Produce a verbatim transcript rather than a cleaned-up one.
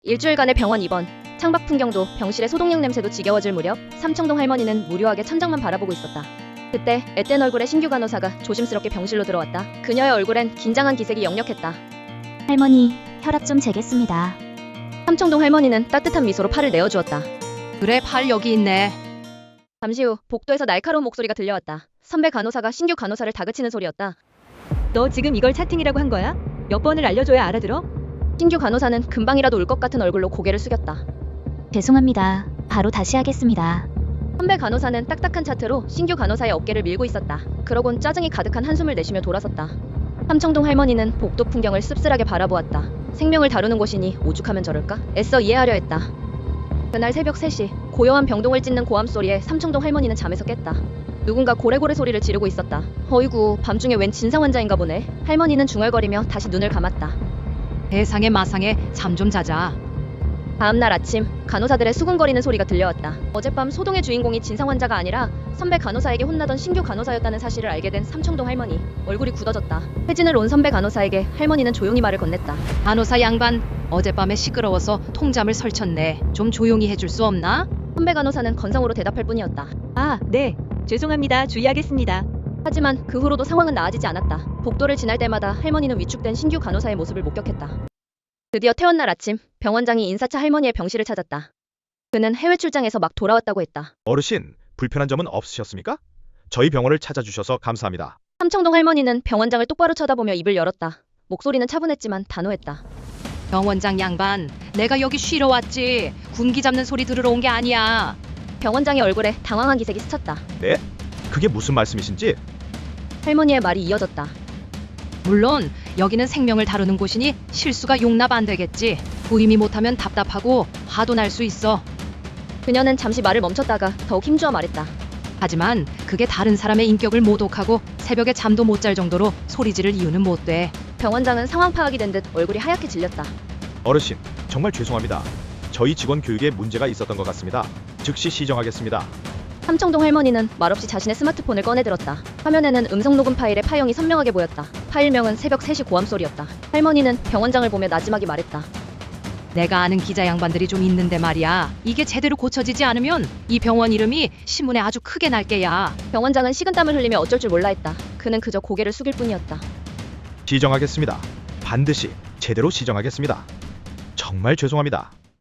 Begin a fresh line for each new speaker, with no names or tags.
일주일간의 병원 입원, 창밖 풍경도 병실의 소독약 냄새도 지겨워질 무렵 삼청동 할머니는 무료하게 천장만 바라보고 있었다. 그때 앳된 얼굴의 신규 간호사가 조심스럽게 병실로 들어왔다. 그녀의 얼굴엔 긴장한 기색이 역력했다.
할머니, 혈압 좀 재겠습니다.
삼청동 할머니는 따뜻한 미소로 팔을 내어주었다.
그래, 팔 여기 있네.
잠시 후 복도에서 날카로운 목소리가 들려왔다. 선배 간호사가 신규 간호사를 다그치는 소리였다.
너 지금 이걸 채팅이라고 한 거야? 몇 번을 알려줘야 알아들어?
신규 간호사는 금방이라도 울 것 같은 얼굴로 고개를 숙였다.
죄송합니다. 바로 다시 하겠습니다.
선배 간호사는 딱딱한 차트로 신규 간호사의 어깨를 밀고 있었다. 그러곤 짜증이 가득한 한숨을 내쉬며 돌아섰다. 삼청동 할머니는 복도 풍경을 씁쓸하게 바라보았다. 생명을 다루는 곳이니 오죽하면 저럴까? 애써 이해하려 했다. 그날 새벽 세 시 고요한 병동을 찢는 고함 소리에 삼청동 할머니는 잠에서 깼다. 누군가 고래고래 소리를 지르고 있었다. 어이구, 밤중에 웬 진상 환자인가 보네. 할머니는 중얼거리며 다시 눈을 감았다.
세상에 마상에 잠 좀 자자.
다음날 아침 간호사들의 수군거리는 소리가 들려왔다. 어젯밤 소동의 주인공이 진상 환자가 아니라 선배 간호사에게 혼나던 신규 간호사였다는 사실을 알게 된 삼청동 할머니. 얼굴이 굳어졌다. 회진을 온 선배 간호사에게 할머니는 조용히 말을 건넸다.
간호사 양반, 어젯밤에 시끄러워서 통잠을 설쳤네. 좀 조용히 해줄 수 없나?
선배 간호사는 건성으로 대답할 뿐이었다.
아, 네. 죄송합니다. 주의하겠습니다.
하지만 그 후로도 상황은 나아지지 않았다. 복도를 지날 때마다 할머니는 위축된 신규 간호사의 모습을 목격했다. 드디어 퇴원날 아침, 병원장이 인사차 할머니의 병실을 찾았다. 그는 해외 출장에서 막 돌아왔다고 했다.
어르신, 불편한 점은 없으셨습니까? 저희 병원을 찾아주셔서 감사합니다.
삼청동 할머니는 병원장을 똑바로 쳐다보며 입을 열었다. 목소리는 차분했지만 단호했다.
병원장 양반, 내가 여기 쉬러 왔지. 군기 잡는 소리 들으러 온 게 아니야.
병원장의 얼굴에 당황한 기색이 스쳤다.
네? 그게 무슨 말씀이신지?
할머니의 말이 이어졌다.
물론 여기는 생명을 다루는 곳이니 실수가 용납 안 되겠지. 부임이 못하면 답답하고 화도 날 수 있어.
그녀는 잠시 말을 멈췄다가 더욱 힘주어 말했다.
하지만 그게 다른 사람의 인격을 모독하고 새벽에 잠도 못 잘 정도로 소리 지를 이유는 못 돼.
병원장은 상황 파악이 된 듯 얼굴이 하얗게 질렸다.
어르신, 정말 죄송합니다. 저희 직원 교육에 문제가 있었던 것 같습니다. 즉시 시정하겠습니다.
삼청동 할머니는 말없이 자신의 스마트폰을 꺼내들었다. 화면에는 음성 녹음 파일의 파형이 선명하게 보였다. 파일명은 새벽 세 시 고함 소리였다. 할머니는 병원장을 보며 나지막이 말했다.
내가 아는 기자 양반들이 좀 있는데 말이야. 이게 제대로 고쳐지지 않으면 이 병원 이름이 신문에 아주 크게 날 게야.
병원장은 식은땀을 흘리며 어쩔 줄 몰라 했다. 그는 그저 고개를 숙일 뿐이었다.
시정하겠습니다. 반드시 제대로 시정하겠습니다. 정말 죄송합니다.